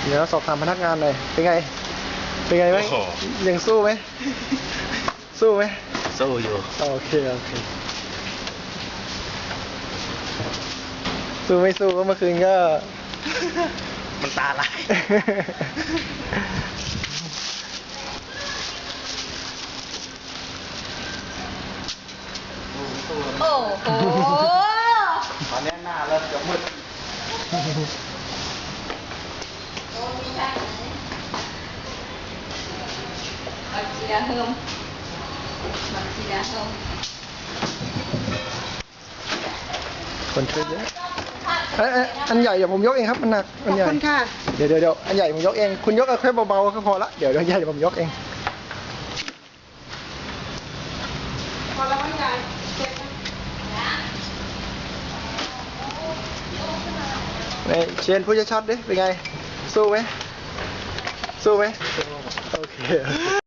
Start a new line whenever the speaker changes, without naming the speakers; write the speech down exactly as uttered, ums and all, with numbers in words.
เดี๋ยวสอบถามพนักงานหน่อยเป็นไงเป็นไงไหมยังสู้ไหมสู้ไหม
สู้อยู่
โอเคโอเคสู้ไม่สู้ก็เมื่อคืนก็
มันตาลาย
โอ้โห
ตอนนี้หน้าเริ่มจะมืด
บักจีดาเฮิมบักจีดาเฮิม
คนช่วยเยอะอันอันอันใหญ่เดี๋ยวผมยกเองครับมันหนักอันใหญ่
ขอบคุณค่ะ
เดี๋ยวเดี๋ยวเดี๋ยวอันใหญ่ผมยกเองคุณยกเอาแค่เบาๆก็พอละเดี๋ยวอันใหญ่เดี๋ยวผมยกเอง
พอแล้วไม่ใหญ่เก็บนะ
นี่เชนพูดชัดๆดิเป็นไงสู้ไหมสู้ไหมโอเค